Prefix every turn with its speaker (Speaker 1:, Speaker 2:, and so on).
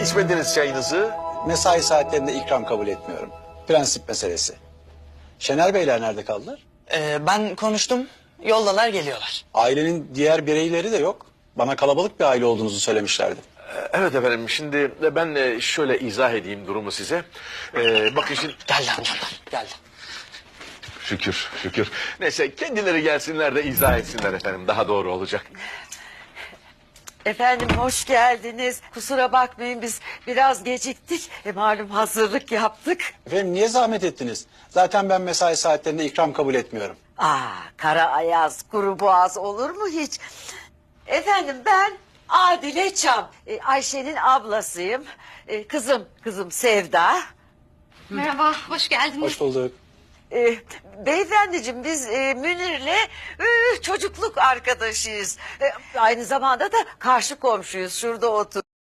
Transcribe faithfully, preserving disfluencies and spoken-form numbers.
Speaker 1: içmediniz çayınızı?
Speaker 2: Mesai saatlerinde ikram kabul etmiyorum. Prensip meselesi. Şener Beyler nerede kaldılar?
Speaker 3: Ee, ben konuştum. Yoldalar, geliyorlar.
Speaker 2: Ailenin diğer bireyleri de yok. Bana kalabalık bir aile olduğunuzu söylemişlerdi.
Speaker 1: Evet efendim, şimdi ben e, şöyle izah edeyim durumu size. Ee, bakın şimdi...
Speaker 3: Geldi amcamlar, geldi.
Speaker 1: Şükür, şükür. Neyse, kendileri gelsinler de izah etsinler efendim. Daha doğru olacak.
Speaker 4: Efendim hoş geldiniz. Kusura bakmayın biz biraz geciktik. E, malum hazırlık yaptık.
Speaker 2: Efendim niye zahmet ettiniz? Zaten ben mesai saatlerinde ikram kabul etmiyorum.
Speaker 4: Aa, kara ayaz, kuru boğaz olur mu hiç? Efendim ben Adile Çam. E, Ayşe'nin ablasıyım. E, kızım, kızım Sevda.
Speaker 5: Merhaba, hoş geldiniz.
Speaker 2: Hoş bulduk.
Speaker 4: E, beyefendiciğim biz e, Münir'le e, çocukluk arkadaşıyız. E, aynı zamanda da karşı komşuyuz. Şurada otur.